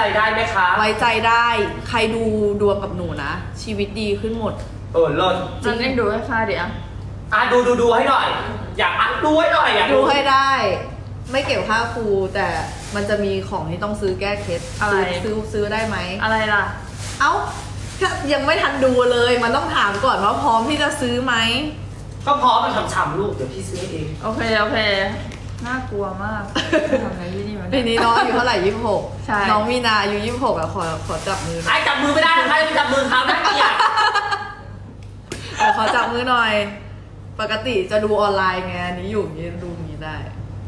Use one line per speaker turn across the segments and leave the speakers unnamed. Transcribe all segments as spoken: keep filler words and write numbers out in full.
ได้ไหมคะ
ไว้ใจได้ ใครดูดวงกับหนูนะ ชีวิตดีขึ้นหมด
เออเลิศ
จริงเล่นดูให้ค่าเดี๋ยว
อ่ะดูดูดูให้หน่อย อยากอ่ะดูให้หน่อยอยาก
ดูให้ได้ ไม่เก็บค่าครูแต่มันจะมีของที่ต้องซื้อแก้เคล็ด
อะไร
ซื้อซื้อได้ไหม
อะไรล่ะ
เอ้าถ้ายังไม่ทันดูเลย มันต้องถามก่อนว่าพร้อมที่จะซื้อไหม
ก็พร้อมมันฉ่ำๆลูกเดี๋ยวพี่ซื้อเอง
โอเคโอเคน่ากลัวมากทำอะไรที่นี่มัน
ปีนี้น้องอายุเท่าไหร่ยี่สิบหก
ใช่
น้องมีนาอายุยี่สิบหกอะขอขอจับมือหน่อย
ไอ้จับมือไม่ได้ใครจับมือเขานะเกลียด
เออขอจับมือหน่อย ปกติจะดูออนไลน์ไงอันนี้อยู่อย่างนี้ดูอย่างนี้ได้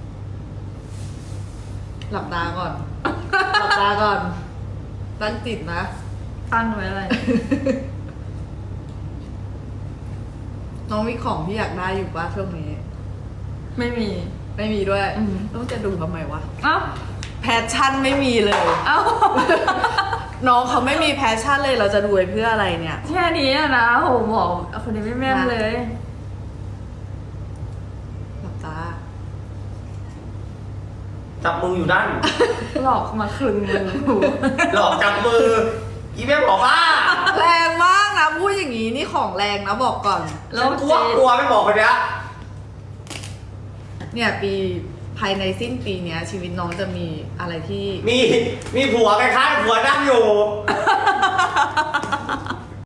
หลับตาก่อน หลับตาก่อน ตั้งจิตนะ
ตั้งไว้อะไร
น้องมีของที่อยากได้อยู่ป่ะช่วงนี้
ไม่มี
ไม่มีด้วย
อืม
ต้องจะดูทำไมวะ
เอ้า
แพชชั่นไม่มีเลย
เอ้า
น้องเขาไม่มีแพชชั่นเลยเราจะดูไปเพื่ออะไรเนี่ย
แค่นี้อะนะโหบอกคนนี้ไม่แม่นเลย
หลับตา
จับมืออยู่ด้าน
หลอกมาคลึงมือ
หลอกจับมืออีเมลบอกว่า
แรงมากนะพูดอย่างนี้นี่ของแรงนะบอกก่อน
แล้
ฉั
วน
กลัวกลัวไม่บอกคนเนี้ย
เนี่ยปีภายในสิ้นปีเนี้ย ชีวิตน้องจะมีอะไรที่
มีมีผัวคล้ายๆผัวนั่งอยู่